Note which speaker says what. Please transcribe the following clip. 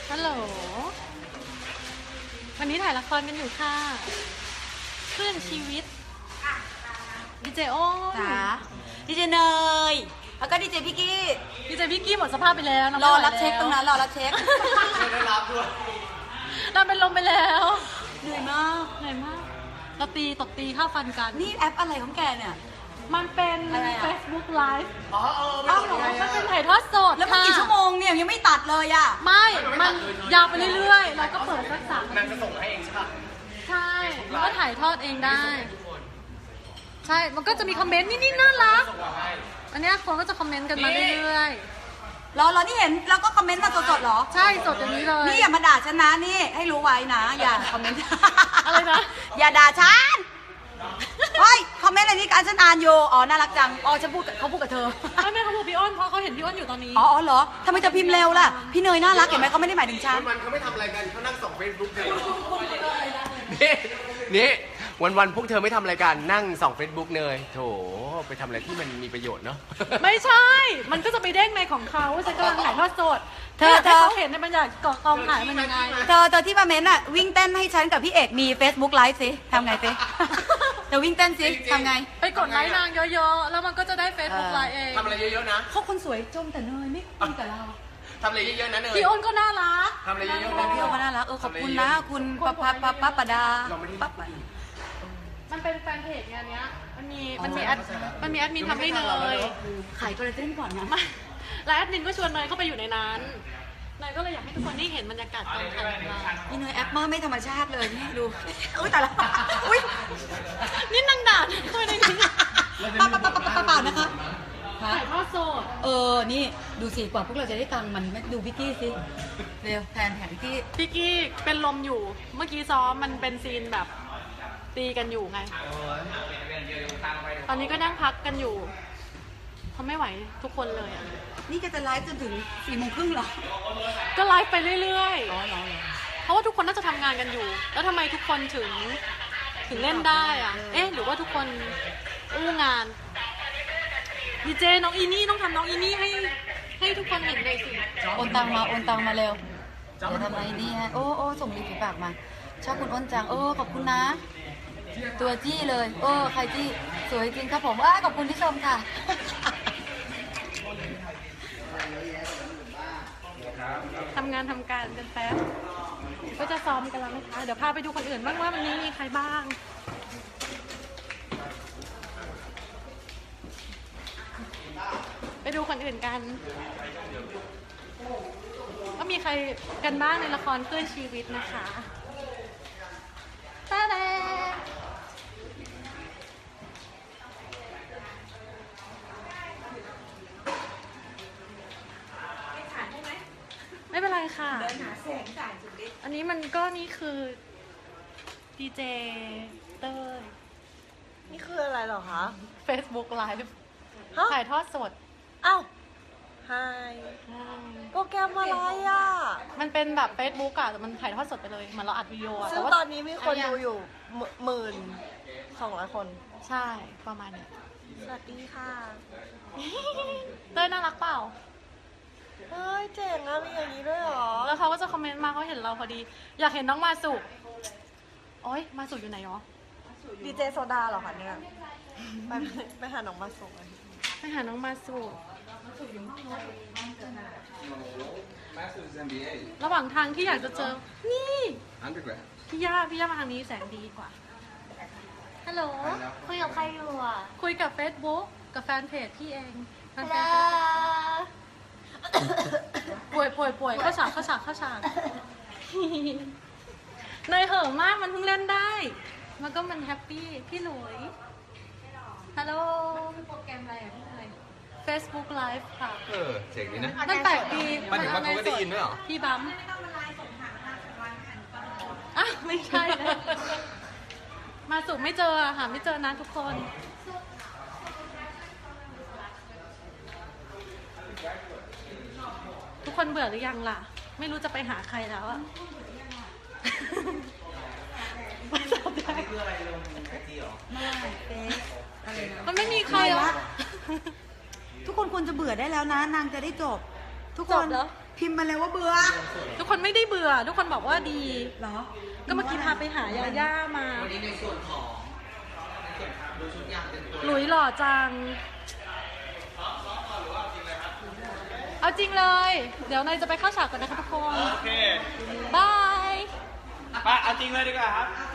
Speaker 1: ฮัลโหลวันนี้ถ่ายละครกันอยู่ค่ะคลื่นชีวิตดีเจโอ้น
Speaker 2: จ๋าดีเจเนยแล้วก็ดีเจพี่กี้
Speaker 1: ดีเจพี่กี้หมดสภาพไปแล้ว
Speaker 2: รอรับเช็คตรงนั้นรอรับเช็ค
Speaker 3: ได้รับด้วย
Speaker 1: เราเป็นลมไปแล้ว
Speaker 2: เหนื่อยมาก
Speaker 1: เหนื่อยมากเราตบตีข้าวฟันกัน
Speaker 2: นี่แอปอะไรของแกเนี่ย
Speaker 1: มันเป็น
Speaker 2: อะไรอะ
Speaker 1: Facebook Live
Speaker 3: อ๋อไม่
Speaker 2: อ้าว
Speaker 3: รู้
Speaker 2: เหรอ
Speaker 1: มันเป็นถ่ายทอดสด
Speaker 2: แล้วมันกี่ชั่วโมงเนี่ยยังไม่ตัดเลยอ่ะ
Speaker 1: ไม่ มันยาวไปเรื่อยๆ เราก็เปิดสักสาม
Speaker 3: นางจะส่งให้เองใช่ปะ
Speaker 1: ใช่มันก็ถ่ายทอดเองได้ ใช่ มันก็จะมีคอมเมนต์นี่น่ารัก
Speaker 3: ส่งมาให้
Speaker 1: อันเนี้ยคนก็จะคอมเมนต์กันมาเรื่อย
Speaker 2: รอนี่เห็นแล้วก็คอมเมนต์มาสดๆเหรอ
Speaker 1: ๆ ใช่สดอย่างนี้เลย
Speaker 2: นี่อย่ามาด่าฉันนะนี่ให้รู้ไว้นะ อย่าคอมเมนต์
Speaker 1: อะไรนะ
Speaker 2: อย่าด่าฉันเฮ้ยคอมเมนต์อะไรนี่การฉันอ่านอยู่อ๋อน่ารักจังอ๋อฉันพูดกับเขาพูดกับเธอ
Speaker 1: ไม่เขาพูดพี่อ้นเพราะเขาเห็นพี่อ้นอยู่ตอนนี้
Speaker 2: อ๋อเหรอทำไมจะพิมพ์เร็วล่ะพี่เนยน่ารักเห็นไหมเขาไม่ได้หมายถึงฉัน
Speaker 3: วันเขาไม่ทำอะไรกันเขานั่งส่องเฟซบุ๊กกันนี่วันพวกเธอไม่ทำอะไรกันนั่งส่องเฟซบุ๊กเนยโถไปทำอะไรที่มันมีประโยชน์เนาะ
Speaker 1: ไม่ใช่ มันก็จะไปเด้งในของเขาฉันกำลังถ่ายทอดสด
Speaker 2: เธอ
Speaker 1: ให้เขาเห็นในบรรยากาศกองถ่ายมันยังไง
Speaker 2: เธอที่มาเม้นอะวิ่งเต้นให้ฉันกับพี่เอกมี Facebook Live สิทำไงสิ เธอวิ่งเต้นสิทำไง
Speaker 1: ไปกดไลค์นางเยอะๆ แล้วมันก็จะได้ Facebook ไลน์เอง
Speaker 3: ทำอะไรเยอะๆนะ
Speaker 2: เขาคนสวยจมแต่เนยไม่คุยกับเรา
Speaker 3: ทำอะไรเยอะๆนะเนย
Speaker 1: พี่อ้นก็น่ารัก
Speaker 3: ทำอะไรเยอะๆนะ
Speaker 2: พี่โอก็น่ารักขอบคุณนะคุณปะปะดา
Speaker 3: เราไม่ได้
Speaker 2: ปั๊บ
Speaker 1: มันเป็นแฟนเพจงานเนี้ย มันมีแอดมินทำให้เนย
Speaker 2: ขายคอลลาเจนก่อนนะ
Speaker 1: ไม่แล้วแอดมินก็ชวนเนยเข้าไปอยู่ในนั้นเนยก็เลยอยากให้ทุกคนได้เห็นบรรยากาศกองถ่ายของเรา
Speaker 2: นี่เนยแอปมาไม่ธรรมชาติเลยนี่ดูอุ้ยแต่ละอุ้ย
Speaker 1: นี่นางด่าเข้าไปในนี้
Speaker 2: ปะเปล่านะคะ
Speaker 1: ถ่ายทอดสด
Speaker 2: นี่ดูสิกว่าพวกเราจะได้ตังค์มันดูพี่กี้สิเร็วแทนพี่กี้
Speaker 1: พี่กี้เป็นลมอยู่ เมื่อกี้ซ้อมมันเป็นซีนแบบตีกันอยู่ไง ตอนนี้ก็นั่งพักกันอยู่เขาไม่ไหวทุกคนเลยอ่ะ
Speaker 2: นี่จะไลฟ์จนถึง4:30เหรอ
Speaker 1: ก็ไลฟ์ไปเรื่อย
Speaker 2: อ๋อเหรอ
Speaker 1: ๆ เพราะว่าทุกคนน่าจะทำงานกันอยู่ แล้วทำไมทุกคนถึงเล่นได้อ่ะ เอ๊ะ หรือว่าทุกคนอู้งานดีเจน้องอีนี่ต้องทำน้องอีนี่ให้ทุกคนเห็นเลยสิ
Speaker 2: โอนตังมาเร็วเดี๋ยวทำไมนี่ฮะโอ้ส่งริมฝีปากมาชอบคุณอ้นจังขอบคุณนะ ตัวจี้เลยใครจี้สวยจริงครับผมขอบคุณที่ชมค่ะ
Speaker 1: ทำงานทำการกันแป๊บก็จะซ้อมกันแล้วนะคะ เดี๋ยวพาไปดูคนอื่นบ้างว่าวันนี้มีใครบ้าง ไปดูคนอื่นกันว่ามีใครกันบ้างในละครเพื่อนชีวิตนะคะตาแดงไม่เป็นไรค่ะเดินหาแสงจ่ายจุดเล็กอันนี้มันก็นี่คือดีเจเต้ย
Speaker 4: นี่คืออะไรเหรอคะ
Speaker 1: Facebook Live
Speaker 4: ฮะ
Speaker 1: ถ่ายทอดสด
Speaker 4: อ้าวไฮโปรแกรมอะไรอ่ะ
Speaker 1: มันเป็นแบบ Facebook อะแต่มันถ่ายทอดสดไปเลยเหมือนเราอัดวิดีโออะ
Speaker 4: ซึ่ง
Speaker 1: แต่ว่า
Speaker 4: ตอนนี้มีคนดูอยู่12,000 คน
Speaker 1: ใช่ประมาณนี้
Speaker 4: สวัสดีค่ะ
Speaker 1: เต้ยน่ารักเปล่า
Speaker 4: เฮ้ย เจ๋งอ่ะ มีอย่างนี้ด้วยเหรอ
Speaker 1: แล้วเขาก็จะคอมเมนต์มาเขาเห็นเราพอดี อยากเห็นน้องมาสุโอ๊ยมาสุอยู่ไหนเนาะ
Speaker 4: ดีเจโซดาเหรอคะเนี่ย ไปหาน้องมาส่งเลย
Speaker 1: ไปหาน้องมาสุระหว่างทางที่อยากจะเจอ นี่
Speaker 5: Undergrad.
Speaker 1: พี่ย่ามาทางนี้แสงดีกว่า ฮัลโหล
Speaker 6: คุยกับใครอยู่อ่ะ
Speaker 1: คุยกับ Facebook กับแฟนเพจพี่เองแฟนเพ
Speaker 6: แล้
Speaker 1: จป่วยเข้าฉากเนยเห่อะมากมันเพิ่งเล่นได้ มันก็มันแฮปปี้ พี่หลุย ฮัลโหลโปรแกรมอะไรอ่ะพี่เนย Facebook Live ค่ะ
Speaker 5: เจ๋งดีนะ
Speaker 1: มันแปลกดี
Speaker 5: หมายถึงว่าเขาก็ได้ยินด้วยเหรอ
Speaker 1: พี่บัมอ่ะไม่ใช่นะมาสุไม่เจอหาไม่เจอนะทุกคน ทุกคนเบื่อหรือยังล่ะ ไม่รู้จะไปหาใครแล้วอะมันไม่มีใครหรอ
Speaker 2: ทุกคนควรจะเบื่อได้แล้วนะนางจะได้จบ ทุกค
Speaker 1: จ
Speaker 2: น
Speaker 1: บเหรอ
Speaker 2: พิมพ์มาเลยว่าเบื่อ
Speaker 1: ทุกคนไม่ได้เบื่อ ทุกคนบอกว่าดี
Speaker 2: เหรอ
Speaker 1: ก็เมื่อกี้พาไปหายาย่ามา
Speaker 6: วันนี้ในส่วนของดูชุดยางเป็นตัว
Speaker 1: หลุยหล่อจัง เอาจริงเลย เดี๋ยวนายจะไปเข้าฉากกันนะคะทุกคน
Speaker 7: โอเค
Speaker 1: บาย
Speaker 7: ไปเอาจริงเลยดีกว่าครับ